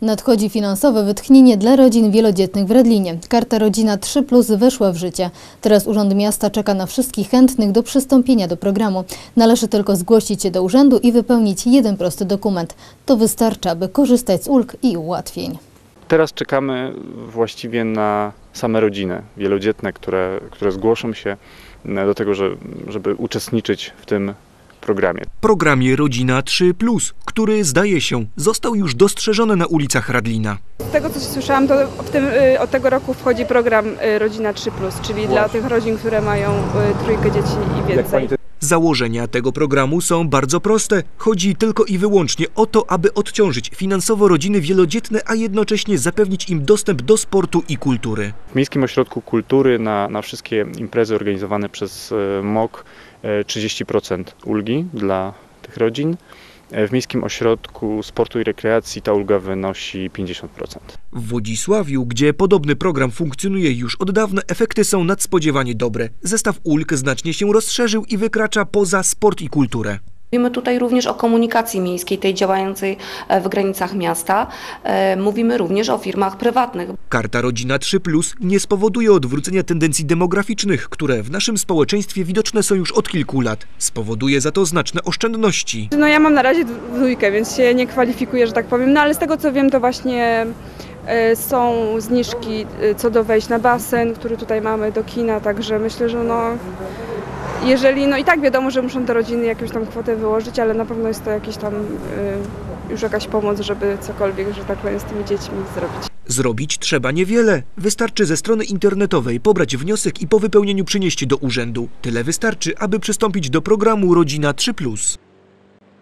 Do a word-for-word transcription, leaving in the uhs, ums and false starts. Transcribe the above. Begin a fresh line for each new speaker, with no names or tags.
Nadchodzi finansowe wytchnienie dla rodzin wielodzietnych w Radlinie. Karta Rodzina trzy plus weszła w życie. Teraz Urząd Miasta czeka na wszystkich chętnych do przystąpienia do programu. Należy tylko zgłosić się do urzędu i wypełnić jeden prosty dokument. To wystarczy, aby korzystać z ulg i ułatwień.
Teraz czekamy właściwie na same rodziny wielodzietne, które, które zgłoszą się do tego, że, żeby uczestniczyć w tym programie.
Programie Rodzina trzy plus, który zdaje się został już dostrzeżony na ulicach Radlina.
Z tego co słyszałam, to w tym, od tego roku wchodzi program Rodzina trzy plus, czyli Właśnie. dla tych rodzin, które mają trójkę dzieci i więcej.
Założenia tego programu są bardzo proste. Chodzi tylko i wyłącznie o to, aby odciążyć finansowo rodziny wielodzietne, a jednocześnie zapewnić im dostęp do sportu i kultury.
W Miejskim Ośrodku Kultury na, na wszystkie imprezy organizowane przez M O K trzydzieści procent ulgi dla tych rodzin. W Miejskim Ośrodku Sportu i Rekreacji ta ulga wynosi pięćdziesiąt procent.
W Wodzisławiu, gdzie podobny program funkcjonuje już od dawna, efekty są nadspodziewanie dobre. Zestaw ulg znacznie się rozszerzył i wykracza poza sport i kulturę.
Mówimy tutaj również o komunikacji miejskiej, tej działającej w granicach miasta. Mówimy również o firmach prywatnych.
Karta Rodzina trzy plus nie spowoduje odwrócenia tendencji demograficznych, które w naszym społeczeństwie widoczne są już od kilku lat. Spowoduje za to znaczne oszczędności.
No ja mam na razie dwójkę, więc się nie kwalifikuję, że tak powiem. No ale z tego co wiem, to właśnie są zniżki co do wejść na basen, który tutaj mamy, do kina, także myślę, że no... Jeżeli, no i tak wiadomo, że muszą te rodziny jakąś tam kwotę wyłożyć, ale na pewno jest to jakiś tam y, już jakaś pomoc, żeby cokolwiek, że tak powiem, z tymi dziećmi zrobić.
Zrobić trzeba niewiele. Wystarczy ze strony internetowej pobrać wniosek i po wypełnieniu przynieść do urzędu. Tyle wystarczy, aby przystąpić do programu Rodzina trzy plus.